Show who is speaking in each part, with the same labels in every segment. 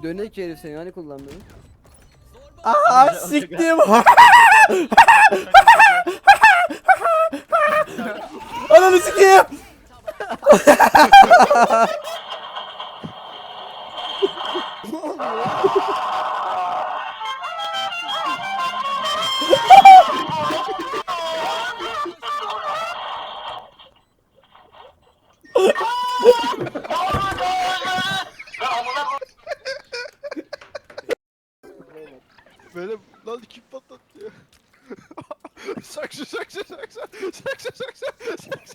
Speaker 1: Dönek herif seni hani kullanmıyor?
Speaker 2: Aa siktim. Ananı sikeyim.
Speaker 3: Böyle lan kim patlattı ya? Saksı saksı saksı saksı saksı saksı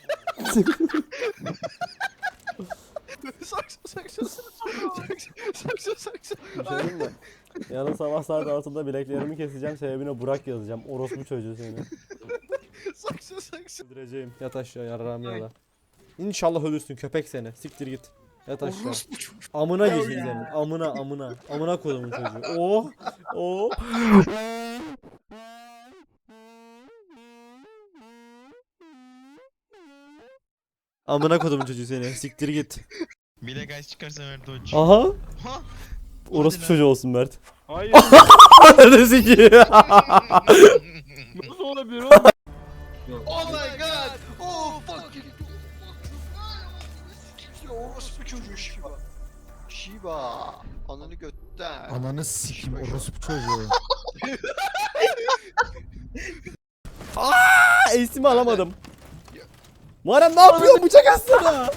Speaker 3: saksı saksı.
Speaker 2: Söyleyeyim mi? Yarın sabah saat 6'da bileklerimi keseceğim. Sebebine Burak yazacağım. Orospu çocuğu seni.
Speaker 3: Saksı saksı.
Speaker 2: Öldüreceğim. Yat aşağı yarrağım ya. İnşallah ölürsün köpek seni. Siktir git. Yat aşağı. Amına girsin senin. Amına amına. Amına kodumun çocuğu. Oh. Oh. Amına kodumun çocuğu seni. Siktir git.
Speaker 4: Bile guys çıkarsa ver dodge.
Speaker 2: Aha.
Speaker 4: Ha?
Speaker 2: Orospu çocuğu olsun Mert.
Speaker 5: Hayır.
Speaker 2: Ananı sikeyim.
Speaker 5: Nasıl olabilir oğlum?
Speaker 3: Oh my god. Oh fucking. Orospu çocuğu Shiba. Shiba. Ananı götten.
Speaker 4: Ananı sikim orospu çocuğu.
Speaker 2: Ace'imi alamadım. Muharrem ne yapıyorsun? Bıçak atsana.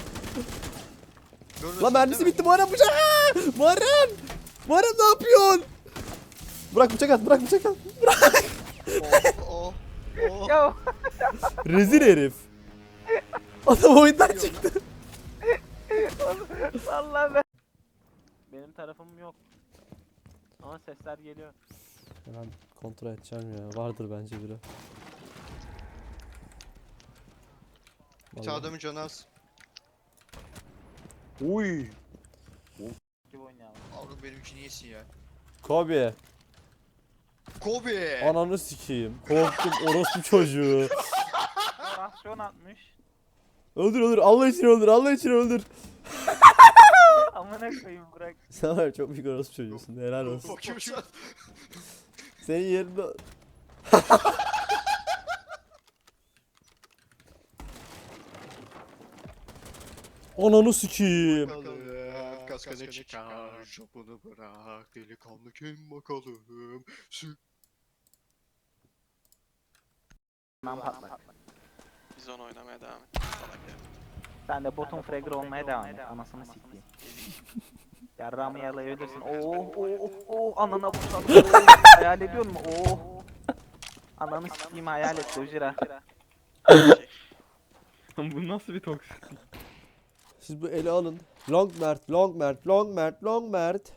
Speaker 2: Lan mermisi bitti Muharrem bıçak. Muharrem. Muharrem ne yapıyorsun? Bırak bıçak at, bırak bıçak at. Bırak.
Speaker 3: Oh. Oh.
Speaker 6: Ya
Speaker 2: Rezil herif. Adam oyundan çıktı.
Speaker 6: vallahi ben. Benim tarafım yok. Ama sesler geliyor.
Speaker 2: Ben kontrol edeceğim ya. Vardır bence biri.
Speaker 3: Bir tane adamın canı az.
Speaker 7: Uy.
Speaker 6: Gibi oynayalım.
Speaker 3: Avrum benim için iyisin ya.
Speaker 2: Kobe.
Speaker 3: Kobe.
Speaker 2: Ananı sikeyim. Korktum orospu çocuğu.
Speaker 6: Rasyon atmış.
Speaker 2: Öldür öldür. Allah için öldür. Allah için öldür.
Speaker 6: Amına koyayım bırak.
Speaker 2: Sen var ya, çok büyük orospu çocuğusun. Helal olsun.
Speaker 3: Bakıyorum şu an.
Speaker 2: Senin yerinde... Ananı sikeyim.
Speaker 3: Bakalım. Kaskana çıkar. Şapını bırak. Delikanlı kim bakalım.
Speaker 6: Ben patlak.
Speaker 4: Biz onu oynamaya devam et. Salak ya.
Speaker 6: Sen de bottom fragger olmaya devam et. Anasını sikeyim. Yarrağımı yalayabilirsin. Anana vursadım. Hayal ediyor musun? Ananı sikeyim hayal et Dojira.
Speaker 5: Bu nasıl bir toksik?
Speaker 2: Siz bu eli alın. Long Mert, Long Mert, Long Mert, Long Mert.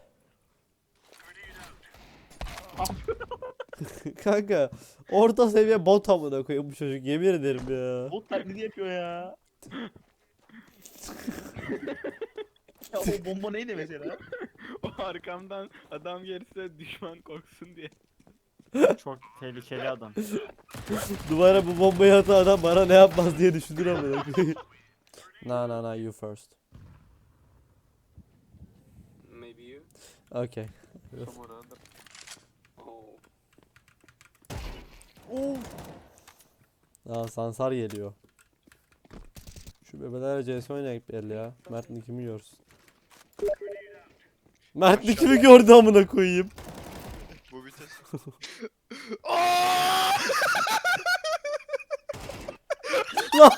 Speaker 2: Kanka orta seviye bot amına koyayım bu çocuk yemin ederim ya.
Speaker 7: Bot taklidi yapıyor ya. Ya o bomba neydi mesela?
Speaker 5: O arkamdan adam gelirse düşman korksun diye.
Speaker 8: Çok tehlikeli adam.
Speaker 2: Duvara bu bombayı atan adam bana ne yapmaz diye düşünür amına koyayım. No, you first.
Speaker 5: Maybe you.
Speaker 2: Okay. Aa Sansar geliyor. Şu bebelerle CS oynayıp belli ya. Mert kimi görsün. Mert kimi gördü amına koyayım.
Speaker 3: Bu vites.
Speaker 2: Lan.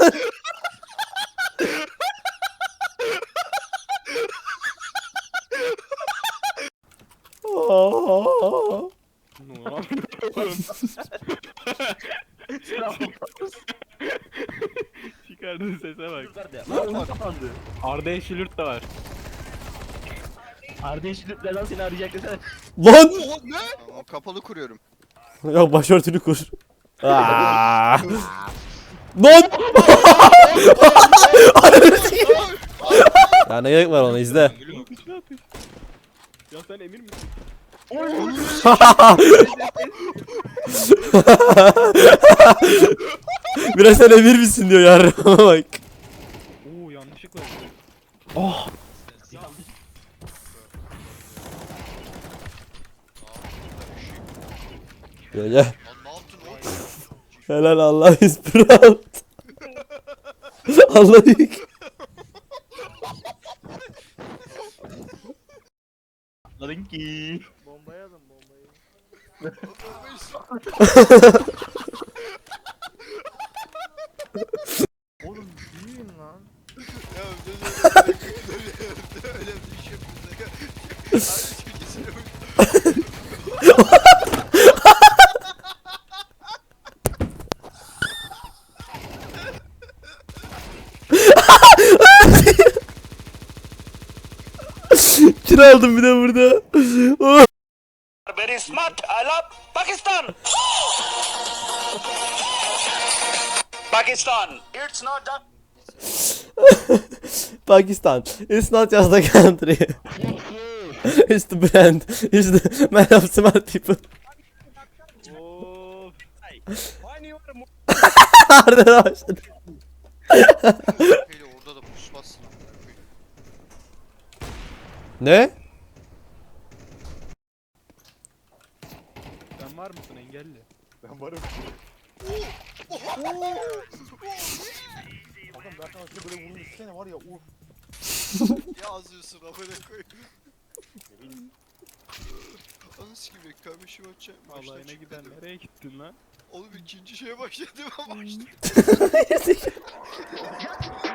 Speaker 2: Aa.
Speaker 5: Ne yapıyorsun? Çıkardığın sese bak. Arda Yeşilürt de var.
Speaker 7: Arda Yeşilürt'le lan seni arayacak desene.
Speaker 2: Lan.
Speaker 3: Oh ne? Tamam kapalı kuruyorum.
Speaker 2: Ya başörtünü kur. Aa. Lan. Ya ne gerek var ona izle.
Speaker 5: Ya sen emin misin?
Speaker 2: Biraz sen emir misin diyor yarrama bak.
Speaker 5: Oo yanlışlıkla.
Speaker 2: Gel gel.
Speaker 3: Lan ne yaptın oğlum?
Speaker 2: Helal Allah is proud. Allah büyük.
Speaker 5: Lan ki.
Speaker 3: Bombayı alın bombayı.
Speaker 5: Oğlum büyüyün lan.
Speaker 3: Ya öyle bir şey yapıyorsun. Aynı çekilsin.
Speaker 2: Kira aldım bir de burada. Oh.
Speaker 9: Very smart. I love Pakistan. Pakistan. It's not that.
Speaker 2: Pakistan. It's not just a country. It's the brand. It's the man of smart people.
Speaker 5: Of.
Speaker 2: Harbiden başladı.
Speaker 3: Hele orada da pusmazsın.
Speaker 2: Ne?
Speaker 5: Sen var mısın engelli?
Speaker 8: Ben varım. Bakın Berkan aslında böyle vurun üstüne var ya.
Speaker 3: Ya azıyorsun amına koyayım. Anası gibi kardeşim açacak.
Speaker 5: Allah'ına giden nereye gittin lan?
Speaker 3: Oğlum ikinci şeye başladım ama açtım.